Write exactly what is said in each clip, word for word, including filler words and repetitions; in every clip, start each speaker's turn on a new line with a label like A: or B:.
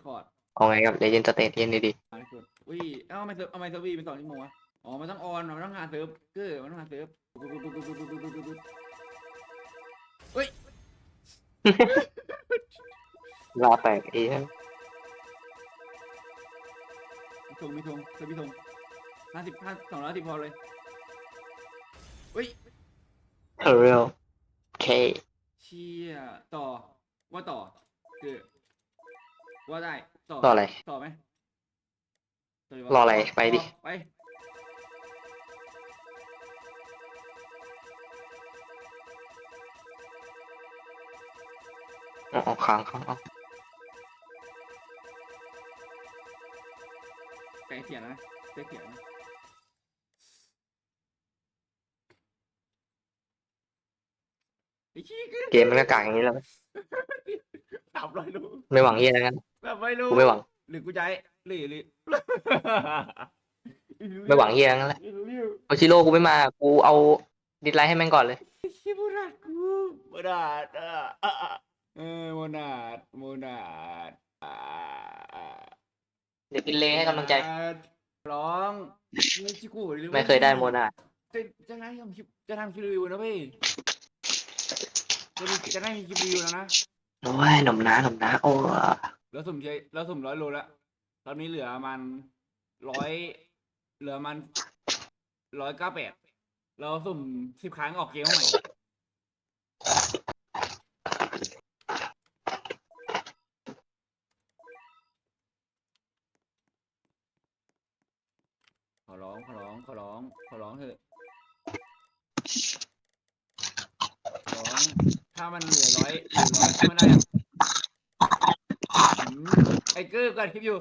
A: คอร์ด
B: เอาไงกับเลเจนด์สเตทเย็นดี
A: อ่านกดอุ้ยเอ้าทำไมเซิร์ฟทำไมเซิร์ฟวีเป็นสองชั่วโมงวะอ๋อมันต้องออนมันต้องหาเซิร์ฟเกอร์มันต้องหาเซิร์ฟปุ๊บปุ๊บปุ๊บปุ๊บปุ๊บปุ๊บปุ๊บปุ๊บเฮ้ย
B: ๆลาแตกเอ้ย
A: มีธงมีธงเซิร์ฟมีธงห้าสิบห้าสองร้อยสิบพอเลยเฮ้ย
B: เออเรียลเค
A: เชี่ยต่อว่าต่อคือว่าได้ต่อ
B: รออะไร
A: ต่อไหมต่อดีว
B: รออะไรไปดิ
A: ต่อไป
B: อ๋อค้างค้างเอา
A: ไก่เขียนนะไก่เขียนนะไอ้ชี้กึ้ง
B: เกมมันก็กากอย่างนี้แล้ว
A: สามร้อยรู
B: ไม่หวังเฮียแล้วกัน
A: แบบไม่รู้
B: กูไม่หวัง
A: หรือกูใจหรือหรือ
B: ไม่หวังเฮียแล้วกันแหละ
A: ไม่รู้เรื่อง
B: โอชิโร่กูไม่มากูเอาดิสไลท์ให้แม่งก่อนเลย
A: ไอ้ชี้โมนาดกูโมนาดเออเออเออโมนาดโมนาดอ่าอ่า
B: เดี๋ยวกินเลให้กำลังใจ
A: ร้องนี่ชิคุหรือ
B: ไม่เคยได้โมนา
A: จะจะได้ทำคลิปจะทำคลิปรีวิวนะเว้ยจะมีจะได้มีคลิปรีวิวแล้วนะ
B: โอ้ยหนมน้าหนมน้าโอ้
A: แล้วสุ่มใช้แล้วสุ่มร้อยโลแล้วตอนนี้เหลือมันร้อยเหลือมันร้อยเก้าแปดเราสุ่มสิบครั้งออกเกมใหม่ขอร้องขอร้องขอร้องขอร้องเถอะขอร้องถ้ามันเหลือร้อยเหลือร้อยถ้ามันได้อะอืมไอ้เกอร์กัดคลิปอยู่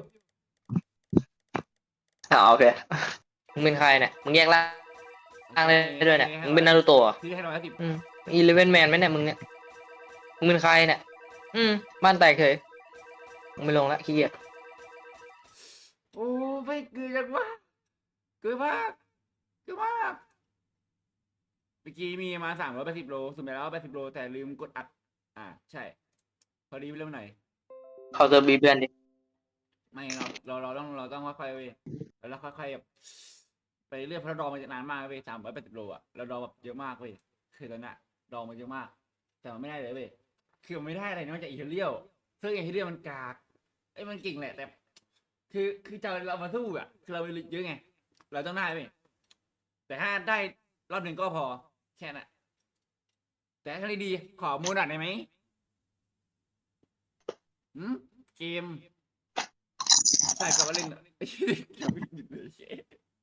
B: เอาโอเคมึงเป็นใครเนี่ยมึงแยกร่างได้ด้วยเนี่ยมึงเป็นนารูโตะ
A: ที่ให้ร้อยสิบ
B: อืมอีเลเวนแมนไหมเนี่ยมึงเนี่ยมึงเป็นใครเนี่ยอืมบ้านแตกเฉยมึงไม่ลงละขี้เกียจ
A: โอ้ไม่เกินจังวะเกินมากเกินมากเมื่อกี้มีมาสามร้อยแปดสิบโลสุ่มไปแล้วแปดสิบโลแต่ลืมกดอัดอ่าใช่พอดีไปเริ่มหน่อย
B: เขาจะบีเพื่อนดิ
A: ไม่เราเราเราต้องเราต้องค่อยๆเว้ยแล้วค่อยๆแบบไปเรื่อยเพราะเราดองมาจากนานมากเว้ยสามร้อยแปดสิบโลอ่ะเราดองแบบเยอะมากเว้ยคือตอนนั้นดองมาเยอะมาก แต่มันไม่ได้เลยเว้ยคือมันไม่ได้อะไรนอกจากอีเทเรียลซึ่งอีเทเรียลมันกากไอ้ยมันเก่งแหละแต่ คือคือจะเรามาสู้อ่ะคือเราเยอะไงเราต้องได้เว้ยแต่ถ้าได้รอบหนึ่งก็พอแค่นั้นแต่ถ้าดีๆขอโมนัดได้ไหมอืมเกมใส่กับว่าเล่นไอ้เกมหยุดเลยเช่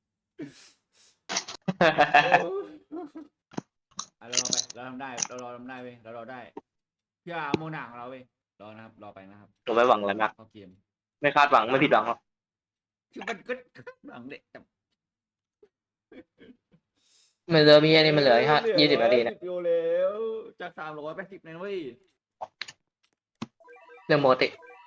A: อ่ะเราไปเราทำได้เรารอทำได้เว้ยเรารอได้เพื่อโมนาของเราเว้ยรอนะครับรอไปนะครับ
B: หนูไม่หวังอะไรมาก
A: เข้าเกม
B: ไม่คาดหวังไม่ผิดหวังหรอก
A: คือมันก็หลังเด็กแต่
B: มันเหลือมีอันนี้มันเหลือห้ายี่สิบนาที
A: สิ
B: นะ
A: บโลแล้วจากสามร้อยแปดสิบนะเว้ย
B: เรื่องโมติ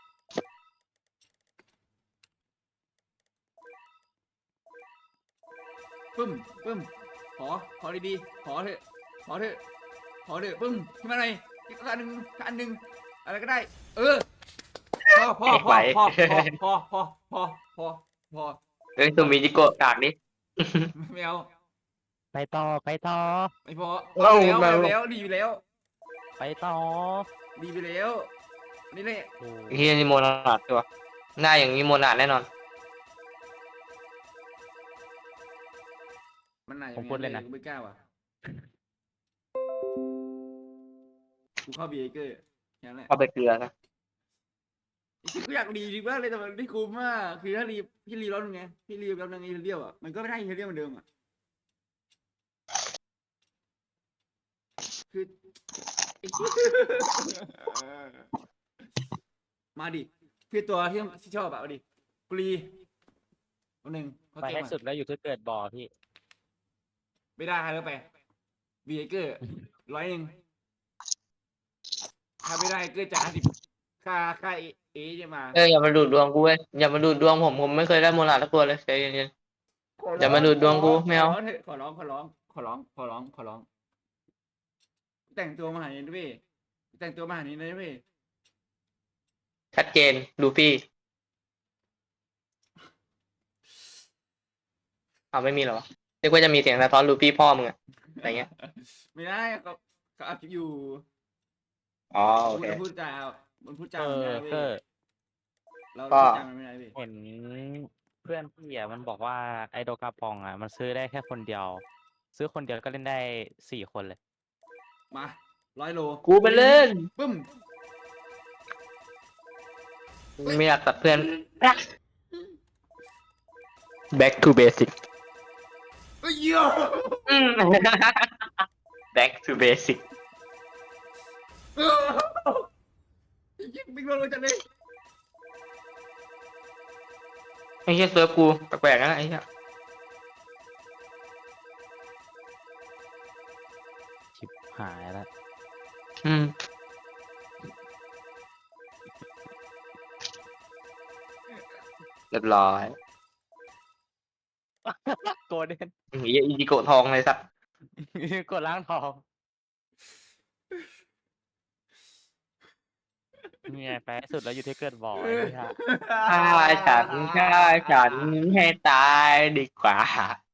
A: ปึ้มปึ้มขอขอดีๆขอเถอะขอเถอะขอเถอะปึ้มขึ้นมาหน่อยอีกอันหนึ่งอันหนึ่งอะไรก็ได้ เออพอพอพอพอพอพอพอพอพอ
B: เรื่องตัวมีจิโกะกากดิ
A: ไม่เอา
C: ไปต่อไปต่อ
A: ไม่พอ
B: เอ้า
A: แล้ว
B: แมว
A: แล้วดีไปแล้ว
C: ไปต่อ
A: ดีไปแล้วนี่แหละ
C: โอ้
B: เฮียนี่โมนาดตัวหน้าอย่างนี้โมนาดแน่นอน
A: มันไหน
C: ผมพูดเลยนะ
A: กูไม่กล้าว่ะกูเข้าบีเอเกอร์แค่นั้นแหละ
B: เอาไปเกลือนะ
A: คือกูอยากรีจริงมากเลยแต่มันไม่คุ้มมากคือถ้ารีพี่รีรอบนึงไงพี่รีรอบนึงไอ้เรียวอ่ะมันก็ไม่ได้เฮเรียลเหมือนเดิมอ่ะคือไอ้เหี้ยมาดิคือตัวที่ที่ชอบอะเอาดิกูรีตัวหนึ่งเขา
C: ไป
A: เกม
C: ให้
A: อะ
C: สุดแล้วอยู่ที่เกิดบ่อพี่
A: ไม่ได้แล้วไปบีเอเกอร์ร้อยหนึ่งถ้าไม่ได้เกอร์จ่ายห้าสิบค่าค่าเอเอจะมา
B: เอออย่ามาดูดดวงกูเว้ยอย่ามาดูดดวงผมผมไม่เคยได้โมนาดสักตัวเลยใจเย็น
A: ขอ
B: ๆอ
A: ร้
B: ย่ามาดูดดวงกูไม่เอา
A: ขอร้องเถอะขอร้องขอร้องขอร้องขอร้องขอร้องแต่งตัวมาหานี้ด้วยแต่งตัวมาหานี้เลยด้วย
B: ชัดเจนลูฟี่เอาไม่มีเหรอวะเรียกว่าจะมีเสียงสะท้อนรูปี้พ่อมึงอะอะไรเงี้ย
A: ไม่ได้เขาเขาอัดคลิปอยู่
B: อ๋อโอ
A: พูด
B: เค
A: แล้วพูดจามันพูดจา
C: เอ
A: มันไม่
C: อ
A: ได้เว้
C: เก
A: ย
C: อร์
A: เรา
B: ก็
A: พูดจามันไม่ได้เว้ย
C: เห็นเพื่อนพี่อ่ะมันบอกว่าไอโดกาปองอ่ะมันซื้อได้แค่คนเดียว ซื้อคนเดียวก็เล่นได้สี่คนเลย
A: มาร้อยโล
B: กูไปเล่น
A: ปึ้ม
B: ไม่อยากตัดเพื่อน back to basic
A: เอ้ยเหี้ย
B: อืม back to basic
A: เออยิงบิ๊กโดนเลยจังเลย
B: ไอ้เหี้ยเซิร์ฟกูแปลกๆนะไอ้เหี้ย
C: ชิบหายแล้ว
B: อืมเรียบร้อย
C: โกลเด้น
B: ไอ้เหี้ยอีจิโกะทองเลยสัก
C: กดล้างทองนี่ไงแปลสุดแล้วอยู่ที่เกิดบ่อไอ้เนี่ย
B: ฆ่าฉันฆ่าฉันให้ตายดีกว่า